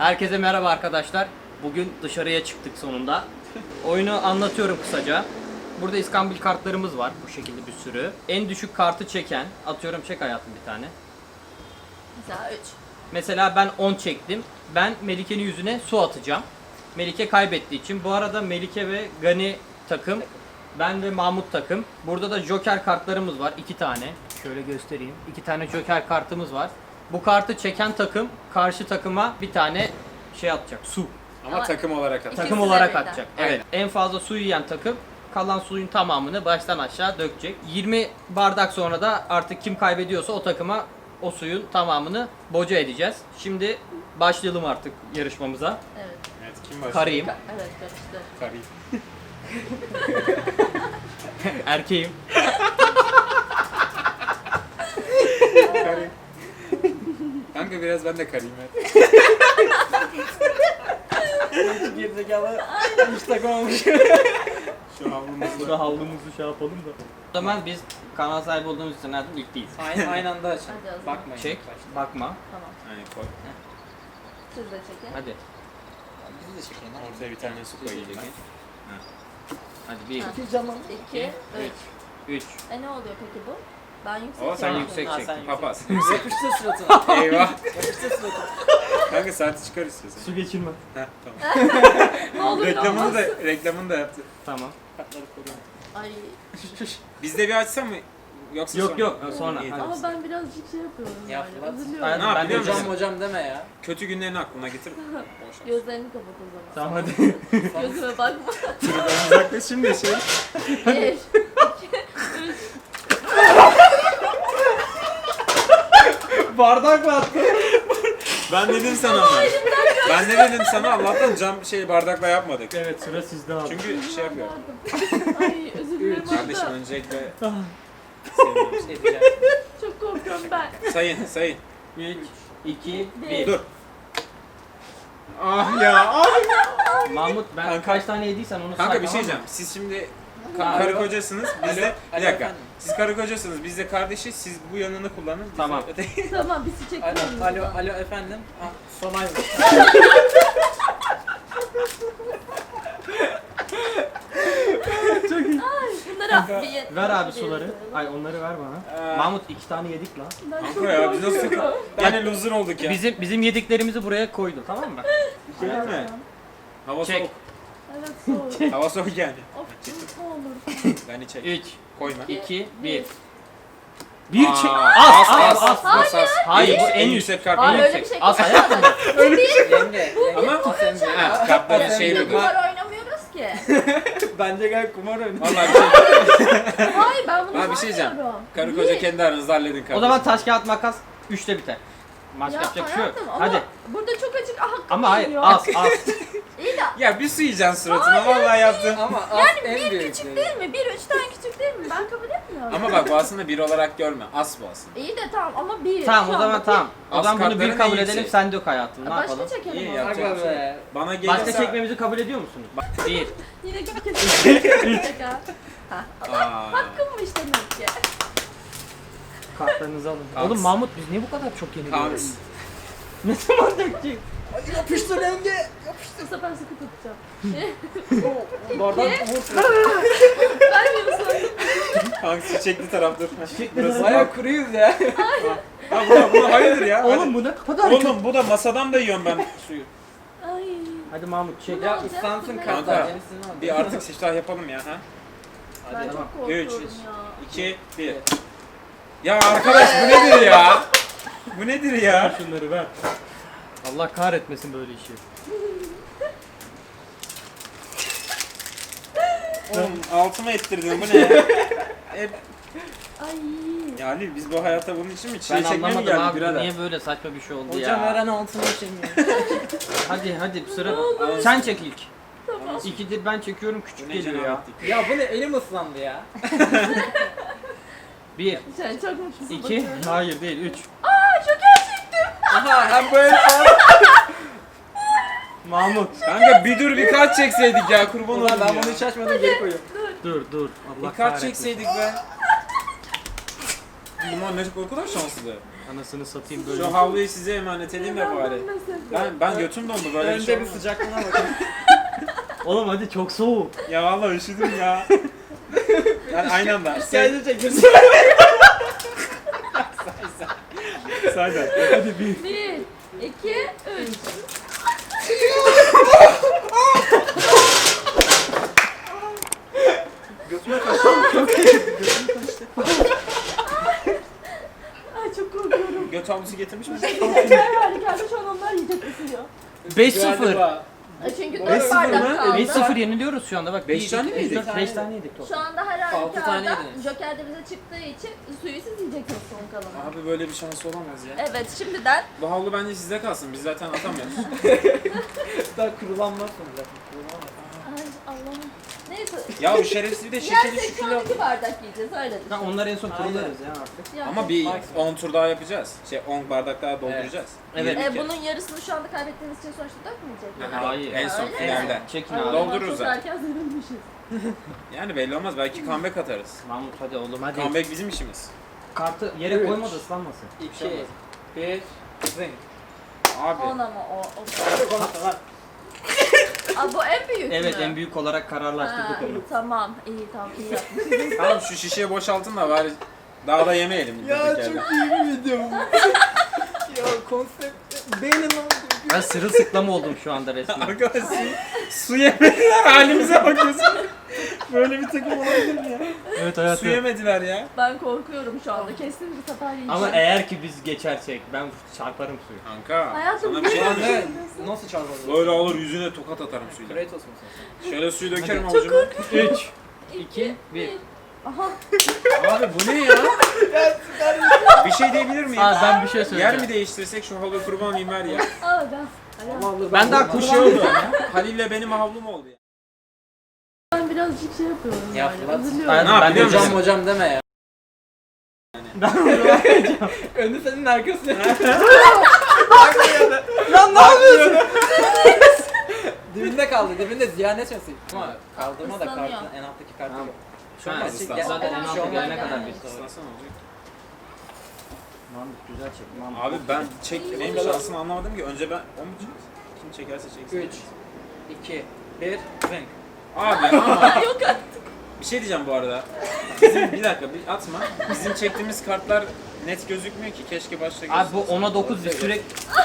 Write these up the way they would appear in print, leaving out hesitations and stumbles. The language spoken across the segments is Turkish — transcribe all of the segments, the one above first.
Herkese merhaba arkadaşlar. Bugün dışarıya çıktık sonunda. Oyunu anlatıyorum kısaca. Burada iskambil kartlarımız var. Bu şekilde bir sürü. En düşük kartı çeken, atıyorum çek hayatım bir tane. Mesela 3. Mesela ben 10 çektim. Ben Melike'nin yüzüne su atacağım. Melike kaybettiği için. Bu arada Melike ve Gani takım. Ben ve Mahmut takım. Burada da Joker kartlarımız var. 2 tane. Şöyle göstereyim. 2 tane Joker kartımız var. Bu kartı çeken takım karşı takıma bir tane şey atacak. Su. Ama takım olarak atar. Takım İkisi olarak de birden. atacak. Evet. En fazla su yiyen takım kalan suyun tamamını baştan aşağı dökecek. 20 bardak sonra da artık kim kaybediyorsa o takıma o suyun tamamını boca edeceğiz. Şimdi başlayalım artık yarışmamıza. Evet. Evet, kim başlıyor? Karıyım, Evet karıştı. Karıyım. erkeğim. Karıyım. Kanka biraz ben de karıyım ya. Gerizekalı hiç takamamış. Şu havlumuzda. Burada havlumuzu şey yapalım da. O zaman biz kanal sahibi olduğumuz için nereden ilk değiliz. Aynı anda açın. Hadi o zaman. Bakmayın. Çek, bakma. Tamam. Aynen koy. Siz de çekin. Hadi. Bizi de çekin. Ortaya bir tane su koyayım ben. Hadi 1, Ha. Çekil canım. 2, 3. 3. Ne oluyor peki bu? Ben yüksek Oo, sen çekiyorum. yüksek Ha, çek. sen Papaz. Yapıştır suratına. Eyvah. Yapıştır suratına. Kanka saati çıkar istiyorsan. Su geçirme. Heh, tamam. Ne olur ne olmaz. reklamını da yaptı. Tamam. Kartları koruyorum. Ay. Biz de bir açsam mı? Yoksa Yok sonra? yok sonra. İyi, Hadi. tamam. Ama ben birazcık şey yapıyorum Ya yani. Fırat. Üzülüyorum. Aynen. Ne Ben de biliyor musun? Hocam hocam deme ya. Kötü günlerini aklına getir. Boş ver. Gözlerini kapat o zaman. Tamam hadi. Gözüme bakma. Uzaklaş şimdi şey. 1, Bardakla attı. Ben dedim sana ama. Ben ne dedim sana? Allah'tan cam bardakla yapmadık. Evet sıra sizde abi. Çünkü şey yapıyor. Ay özür dilerim. Kardeşim orada. öncelikle seviyorum. Şey diyeceğim. Çok korkuyorum ben. Sayın. 3, 2, Bir. 1. Dur. Ah ya. Ah. Mahmut ben Kanka- kaç tane yediysen onu say. Kanka bir şey tamam mı? diyeceğim. Siz şimdi Alo. karı kocasınız. Biz de bir Alo dakika. efendim. Siz karı kocasınız. Biz de kardeşiz. Siz bu yanını kullanın. biz de Tamam. öteki- Tamam bizi çekin. Alo efendim. Ah, Sonay mı? Bunları bir Ver abi suları. Ay onları ver bana. Aa. Mahmut 2 tane yedik lan. Ben çok Kanka ya biz nasıl korkuyorum. yani loser olduk ya. Bizim yediklerimizi buraya koydu tamam mı? Şey değil mi? Hava Çek. soğuk. Evet soğuk. Hava soğuk yani. Of ne olur. Beni çek. 3, Koyma. 2, 1. Bir. Bir Aa, çek. as. Hayır, bu en en yüksek kart. Hayır En öyle bir yüksek. şey. As hayatım. Yenge. Ama ha, kartların şeyi bu. Kumar oynamıyoruz ki. Bence gel kumar oyna. Vallahi bir şey. Hayır ben bunu Abi bir şey diyeceğim. saymıyorum. Karı koca kendi aranızda halledin kardeşim. O zaman taş kağıt makas 3'te biter. Maç Ya yapacak bir şey yok. hayatım ama Hadi. burada çok açık hakkım Ama hayır geliyor. az. İyi de Ya bir su yiyeceksin suratına. Vallahi yaptın. Ama en bir büyük. küçük değil mi? Bir üçten küçük değil mi? Ben kabul etmiyorum. Ama bak bu aslında bir olarak görme. As bu aslında. İyi de tamam ama bir. Tamam Şu o an zaman bak tamam. O Az zaman bunu kartların bir kabul en edelim yüksek. sen dök hayatım. Ne Başka yapalım? çekelim İyi o ya. zaman. Aga be. Bana gelirse... Başka çekmemizi kabul ediyor musunuz? 1. Yine gibi kesin. Ha. Aa. Hakkımmış demek ki. Kartlarınızı alın. Kals. Oğlum Mahmut biz niye bu kadar çok yeniliyoruz? Kams. Ne zaman dökecek? Yapıştır yenge. Bu sefer sıkı tutacağım. Bardak vur. Ben mi ıslandım? Kanka çiçekli tarafdır. Burası. Baya kuruyuz ya. Ha buna hayırdır ya. Oğlum bu ne kadar çok. Oğlum bu da masadan da yiyorum ben suyu. Ay. Hadi Mahmut çek. Ya ıslansın Kanka, kartlar. Yenisini al. Bir artık siftah yapalım ya ha. Ben Hadi. çok korkuyorum 3, ya. 2, 1. Ya arkadaş bu nedir ya? Bu nedir ya? Şunları ver. Allah kahretmesin böyle işi. Oğlum altıma ettirdin bu ne ya? Hep... Ay. Ya Ali biz bu hayata bunun için mi çile Ben çekmeye mi anlamadım geldik abi bu birader? niye böyle saçma bir şey oldu Hocam ya. veren altına içemiyor. Hadi sıra. olur. Sen çek ilk. Tamam. İkidir ben çekiyorum Bu küçük ne geliyor ya. cenabetlik? Ya bu ne elim ıslandı ya. 1, Sen çok mutlusun. 2, bakıyorum. hayır değil 3. Aa şoker çektim. Aha hem böyle Mahmut. Kanka bir dur bir kart çekseydik ya kurban Ulan olayım ben ya. bunu hiç açmadım geri koyuyorum. Dur. Allah Bir kart kahretmesin. çekseydik be. Limon ne kadar şanslı. Anasını satayım böyle. Şu havluyu size emanet edeyim de bari. Ben götüm dondu böyle bir şey Önce bir olmaz. sıcaklığına bakın. Oğlum hadi çok soğuk. Ya vallahi üşüdüm ya. Yani aynı anda. Sadece çekirsin. Sadece. Hadi bir. 1, 2, 3. Götüme kaçtı. Ay çok korkuyorum. Göt havlusu getirmiş misin? Her halükarda şu an onlar yiyecek ısırıyor. 5-0. Galiba. Çünkü 5-0 4 bardak mı? kaldı. 5-0 yeniliyoruz şu anda bak. 5 tane mi yedik? 5 tane yedik toplam. Şu anda her Altı tane halükarda yediniz. Joker de bize çıktığı için suyu siz yiyeceksiniz son kalanı. Abi böyle bir şans olamaz ya. Evet şimdiden Bu havlu bence sizde kalsın. Biz zaten atamıyoruz. Daha kurulanmazsın zaten. Kurulamaz. ay Allah'ım. Neyse. Ya bu şerefsiz bir de şekeri Yersek şu şu an kilo. 2 bardak yiyeceğiz öyle düşün. Tamam onlar en son Aynen. kurularız ya artık. Ya. Ama bir Maksimum. 10 tur daha yapacağız. 10 bardak daha dolduracağız. Evet. 20 kere. Bunun yarısını şu anda kaybettiğiniz için sonuçta dökmeyecek mi? Hayır. En son Öyle mi? finalde. Çekin Ay, o abi. zaman Doldururuz çok zaten. erken sevinmişiz. Yani belli olmaz. Belki comeback atarız. Mahmut hadi oğlum hadi. Comeback bizim işimiz. Kartı yere Üç. koyma da ıslanmasın. 2, 1, zing. Abi. 10 ama o. Konuşma lan. Aa, bu en büyük mü? Evet en büyük olarak kararlaştırdık Ha, onu. tamam iyi tamam iyi yapmışsınız. Tamam şu şişeyi boşaltın da bari daha da yemeyelim. Ya durduk çok yerde. iyi bir video bu. Ya konsept beynin oldu. Ben sırılsıklam oldum şu anda resmen. Arkadaş su yemediler halimize bakıyorsun. Böyle bir takım olabilir mi ya? Evet Su yemediler ya. Ben korkuyorum şu anda kesin bir sefer yiyeceğim. Ama eğer ki biz geçersek ben çarparım suyu. Kanka Hayatım, sana bir şey niye anlatayım. Nasıl çarpalım? Böyle alır yüzüne tokat atarım suyla. Kratos musun sen? Şöyle suyu dökerim Hadi. avucuma. 3, 2, 1. Aha. Abi bu ne ya? Bir şey diyebilir miyim? Aa ben bir şey söyleyeceğim. Yer mi değiştirsek şu havlu kurban olayım ver ya. Aa ben. Ben daha Bu şey oldu. Halil'le benim havlum oldu ya. Ben birazcık şey yapıyorum Ya yani. Fırat, Üzülüyorum. Ben- Ne yap ben biliyor de musun? Hocam hocam deme ya. Ben bunu Önü senin arkası. Lan ne yapıyorsun? Dibinde kaldı, dibinde ziyan etmesin. Ama kaldırma da Islanıyor. kartın en alttaki kartı yok. Şu an ıslan. zaten en alta gelene kadar Evet. bir Islansana olacak. Mahmut güzel çek. Mahmut. Abi ben benim şansımı anlamadım ki. Önce ben o mu çeksin? Kim çekerse çeksin. 3, 2, 1, zing. Abi ama Yok artık. bir şey diyeceğim bu arada. Bizim bir dakika bir atma. Bizim çektiğimiz kartlar net gözükmüyor ki. Keşke başta Abi bu gözükse. 10'a 9 bir sürekli...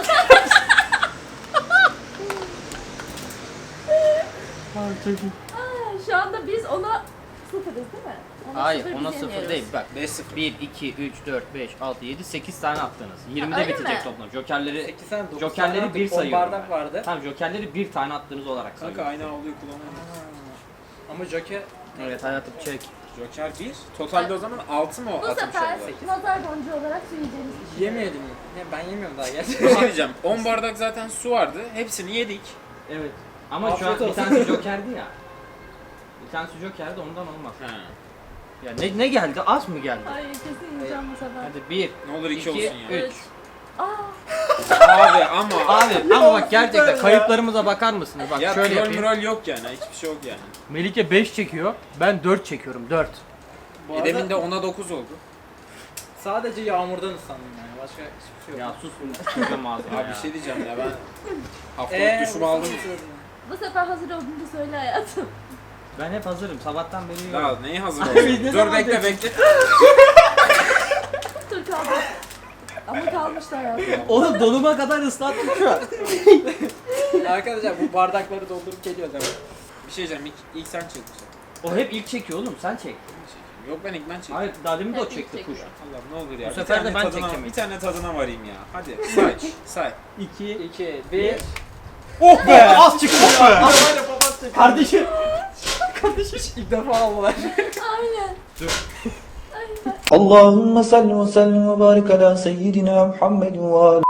Aa, şu anda biz ona sıfırız değil mi? Ona Hayır sıfır, ona biz 0 yeniyoruz. değil bak. 5-0. 1, 2, 3, 4, 5, 6, 7, 8 tane attınız. 20'de öyle bitecek mi? toplam. Jokerleri 8 tane 9 Jokerleri bir sayıyorum bardak ben. vardı. Tamam jokerleri bir tane attığınız olarak Kanka sayıyorum. aynı havluyu kullanamam. Ama Joker Evet hayatım çek. Joker 1. Totalde o zaman 6 mı Bu atmış sefer oldular? nazar boncuğu olarak su yiyeceğimiz kişi. yemeyelim mi? Ya ben yemiyorum daha Bir gerçekten. şey diyeceğim. 10 bardak zaten su vardı. Hepsini yedik. Evet. Ama şu Afiyet an bir olsun. tanesi jokerdi ya. Bir tanesi jokerdi ondan olmaz. Ha. Ya ne geldi? Az mı geldi? Ay kesin yiyeceğim bu sefer. Hadi 1, Ne olur 2 2, olsun ya. 3. Aa, Abi ama. Abi ama bak gerçekten kayıplarımıza bakar mısınız? Bak Ya şöyle troll yapayım. mürol yok yani. Hiçbir şey yok yani. Melike 5 çekiyor. Ben 4 çekiyorum. 4. Bu arada Demin de 10'a 9 oldu. sadece yağmurdan ıslandım yani. Başka hiçbir şey yok. Ya sus sıkacağım ağzına Abi ya. bir şey diyeceğim ya ben haftalık duşumu aldım. bu sefer hazır olduğunu söyle hayatım. Ben hep hazırım. Sabahtan beri yiyorum. Ya neyi hazır Abi oldun? ne Dur zaman bekle diyorsun? bekle. Dur kaldı. Ama kalmıştı hayatım. Oğlum donuma kadar ıslattım şu an. Arkadaşlar bu bardakları doldurup geliyor demek. Bir şey diyeceğim ilk sen çekmişsin. O hep ilk çekiyor oğlum. Sen çek. Yok ben ilk ben çektim. Hayır daha demin de o Hep ilk çekti çekiyor. kuş. Allah'ım ne olur ya. Bu Bir sefer de tane ben tadına, çekeceğim. bir tane tadına varayım ya. Hadi say say. 2. 2, 1. Oh be! Az çıktı ya. Aynen babam çekiyor. Kardeşim. İlk defa aldılar. Aynen. اللهم صل وسلم وبارك على سيدنا محمد وآله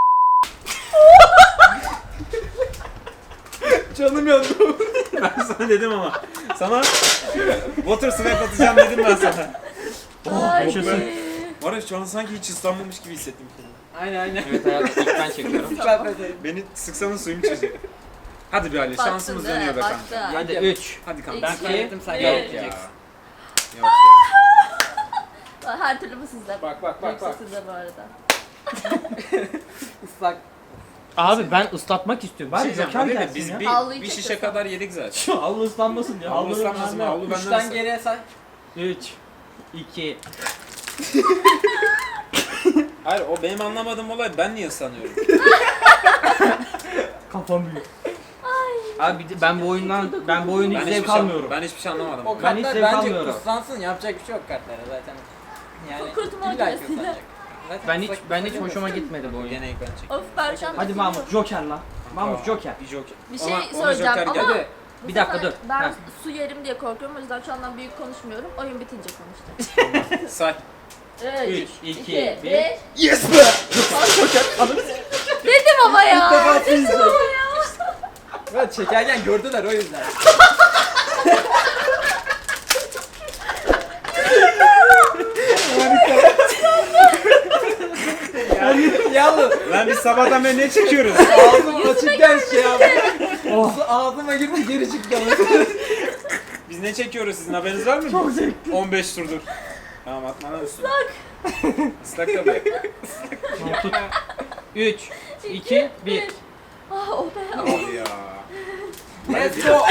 Canım yandı. Ben sana dedim ama. Sana water snap atacağım dedim ben sana. Ay. yaşasın. Var ya şu an sanki hiç ıslanmamış gibi hissettim kendimi. Aynen. Evet hayatım ilk ben çekiyorum. Ben de Beni sıksana suyum çözüyor. Hadi bir Ali Baktın şansımız değil mi? dönüyor be kanka. Baktın. Hadi 3. Hadi kanka. Ben İki, kaybettim sen bir. Yok ya. kaybedeceksin. Yok ya. Her türlü bu sizde. Bak, bak, bak, Yoksa bak. sizde bu arada. Islak. Abi ben ıslatmak istiyorum. Bir Bari şey diyeceğim, Joker değil mi? gelsin Biz ya. bir şişe kadar yedik zaten. Şu havlu ıslanmasın ya. Havlu ıslanmasın mı? Havlu benden Üçten ıslan. geriye say. 3 2 Hayır o benim anlamadığım olay, ben niye ıslanıyorum? Kafam büyük. Abi ben bu oyundan hiç hiçbir zevk şey, almıyorum. ben hiçbir şey anlamadım. O Ben hiç kartlar zevk bence almıyorum. ıslansın, yapacak bir şey yok kartlara zaten. Yani Kurtulma illa ki makinesiyle. ıslanacak. Zaten Ben hiç ıslak hoşuma gitmedi bu oyun. Gene ilk ben çektim. Of Berçem. Hadi Mahmut Joker lan. Mahmut Aa, Joker. Bir Joker. Bir şey Ona söyleyeceğim Joker ama geldi. bu Bir dakika, sefer dur. Ben Ha. su yerim diye korkuyorum, o yüzden şu andan büyük konuşmuyorum. Oyun bitince konuşacağım. Say. 3 2 1 Yes be! Dedim ama ya. İlk defa Dedim çizecek. ama ya. Ben çekerken gördüler o yüzden. Yalnız Lan biz sabahtan beri ne çekiyoruz? ağzım açıkken şey yaptı. Ağzıma girdi geri çıktı. Biz ne çekiyoruz, sizin haberiniz var mı? Çok zevkli. 15 turdur. Tamam atma lan üstüne. Islak tabii. 3 2 1 Ah o be. Ne oldu ya? Let's go.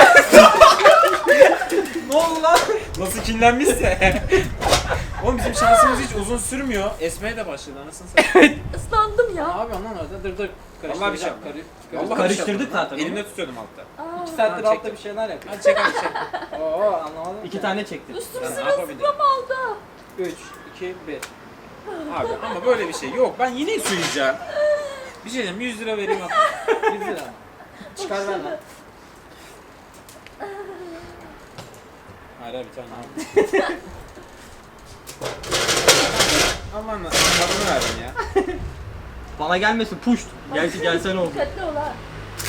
Ne oldu lan? Nasıl kinlenmişse. Oğlum bizim şansımız hiç uzun sürmüyor. Esmeye de başladı anasını satayım. Islandım Ne ya. yapıyorsun lan orada? Dur. Vallahi bir şey Karıştıracağım. Vallahi Karıştırdık bir şey zaten yapmadım. Elimde tutuyordum altta. Aa, 2 saattir Ha, altta çektim. bir şeyler yapıyor. Hadi çek hadi çek. Oo anlamadım. 2 tane çektim. üstüm Ben ne yapabilirim? sırılsıklam oldu. 3, 2, 1. Abi ama böyle bir şey yok. Ben yine su yiyeceğim. Bir şey diyeyim, 100 lira vereyim at. 100 lira. Çıkar ver lan. Hayır bir tane al. Aman tadını verdin ya. Bana gelmesin puşt. Gelse ne oldu? Dikkatli ol ha.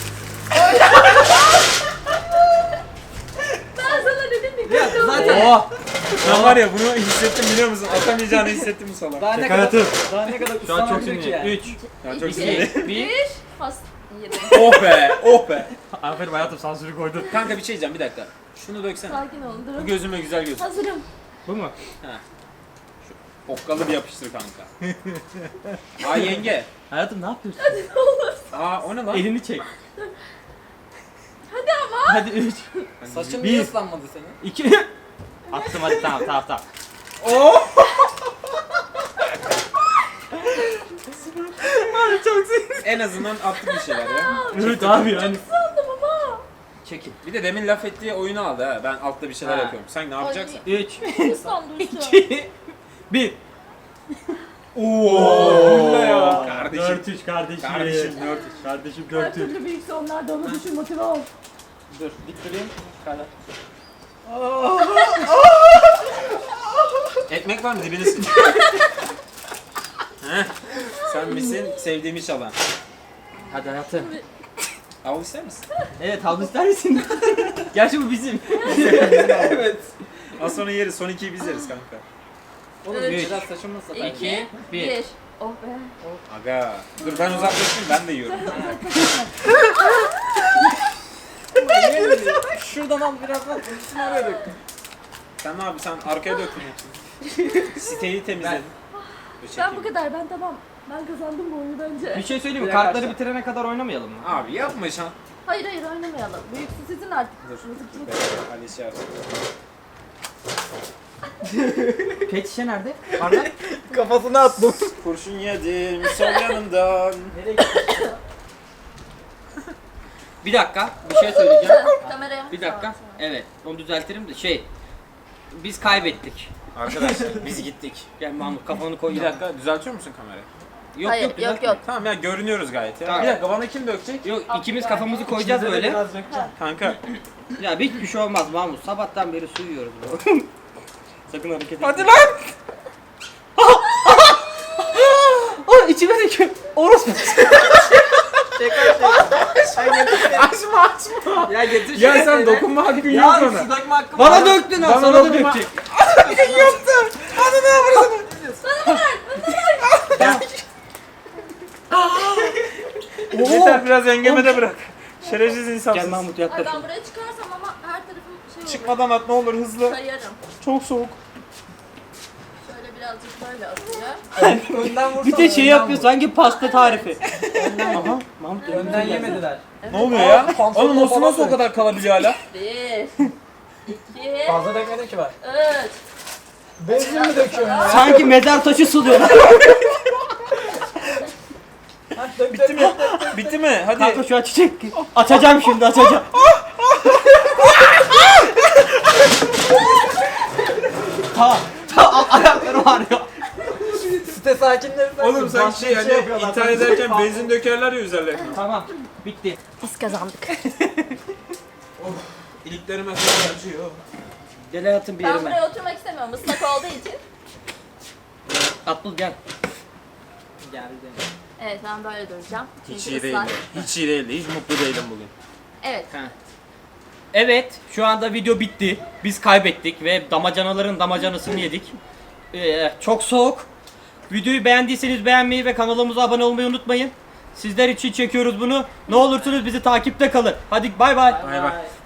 Ben sana dedim dikkatli ol. zaten- Oh! Ben var ya bunu hissettim biliyor musun? Atamayacağını hissettim bu salak. Daha ne Şaka kadar yaptım. daha ne kadar Şu an çok ıslanabilir ki yani. sinirliyim. 3 Ya çok 2 sinirli. 1 Has. Yedim. Oh be, oh be. Aferin hayatım sansürü koydun. Kanka bir şey diyeceğim bir dakika. Şunu döksene. Sakin olun Bu durun. gözüme güzel göz. Hazırım. Bu mu? Okkalı bir yapıştır kanka. Aa yenge. Hayatım ne yapıyorsun? Aa o ne lan? Elini çek. Hadi ama. Hadi 3 Saçın Bir. niye ıslanmadı senin? 2 Attım hadi tamam. Oh! En azından attık bir şeyler ya. Evet abi yani. Islandım ama. Çekin. Bir de demin laf ettiği oyunu aldı ha. Ben altta bir şeyler Ha. yapıyorum. Sen ne yapacaksın? 3 Islandım üstüm. 2 1 Oo! ya. Kardeşim. 4-3 kardeşim. Kardeşim 4 Kardeşim Her 4-3. türlü büyükse onlar da onu düşün motive ol. Dur dik durayım. Çıkarlar. Ekmek var mı dibine sık. Heh. Sen misin sevdiğimi çalan? Hadi hayatım. Al ister misin? Evet havlu ister misin? Gerçi bu bizim. Evet. Az sonra yeriz. Son 2'yi biz yeriz kanka. Oğlum Üç. biraz saçımı ıslat. 2 1 1. Oh be. Aga. Dur ben uzaklaşayım ben de yiyorum. Şuradan al biraz al. Üstüne oraya dök. Sen ne abi sen arkaya döktün hepsini. Siteyi temizledin. Dur Ben bu çekeyim. kadar, ben tamam. Ben kazandım bu oyunu bence. Bir şey söyleyeyim mi? Bir dakika Kartları aşağı. bitirene kadar oynamayalım mı? Abi yapma şan. Hayır oynamayalım. Büyüksü sizin artık. Dur. Mızıkçılık. Ali şey yapsın. Pet şişe nerede? Bardak? Kafasına attım. Kurşun yedim sol yanımdan. Nereye gitti? Bir dakika, bir şey söyleyeceğim. Kameraya. Bir dakika. Evet, onu düzeltirim de biz kaybettik. Arkadaşlar biz gittik. Gel Mahmut kafanı koy. Bir dakika düzeltiyor musun kamerayı? Yok Hayır, yok yok düzeltme. yok. Tamam ya görünüyoruz gayet ya. Tamam. Bir dakika bana kim dökecek? Yok ikimiz kafamızı koyacağız böyle. Biraz dökeceğim. Kanka. Ya hiçbir şey olmaz Mahmut. Sabahtan beri su yiyoruz bro. Sakın hareket etme. Hadi lan! Aa içime döküyor. Orospu. Açma açma. Ya getir Ya şunu sen evine. dokunma hakkın yok Ya bana. su dökme hakkım Bana var. döktün ha. Bana Sana da dokunma. dökecek. Yaptım. Hadi ne yapıyorsun? Yeter biraz engemede bırak. Şerefsiz Gel insansın. Mahmut Ay yaklaş. ben buraya çıkarsam ama her tarafım şey olur. Çıkmadan at ne olur hızlı. Kayarım. Çok soğuk. Şöyle birazcık Böyle atıyor. Önden vursana. Bir de şey önden yapıyor vur. sanki pasta tarifi. Aha, Mahmut Önden yemediler. Ne oluyor ya? pantolon Oğlum nasıl falan o kadar kalabiliyor hala? 1, 2, Fazla dökmedim ki ben. 3. Benzin mi döküyorsun ya? sanki mezar taşı suluyor. Bitti mi? Bitti mi? Hadi. Kanka şu açacak. Açacağım şimdi açacağım. Ayaklarım ağrıyor. Site sakinleri Oğlum sanki şey hani yapıyorlar. intihar ederken benzin dökerler ya üzerlerine. Tamam, bitti. Biz kazandık. İliklerime kadar acıyor. Gel hayatım bir Ben yerime. buraya oturmak istemiyorum ıslak olduğu için. Abdul gel. Geldi. Evet ben böyle duracağım. Hiç Çünkü iyi değildi. ıslak. Hiç iyi değildi. Hiç mutlu değilim bugün. Evet. Evet, şu anda video bitti. Biz kaybettik ve damacanaların damacanasını yedik. Çok soğuk. Videoyu beğendiyseniz beğenmeyi ve kanalımıza abone olmayı unutmayın. Sizler için çekiyoruz bunu. Ne olursunuz bizi takipte kalın. Hadi bay bay. Bay bay.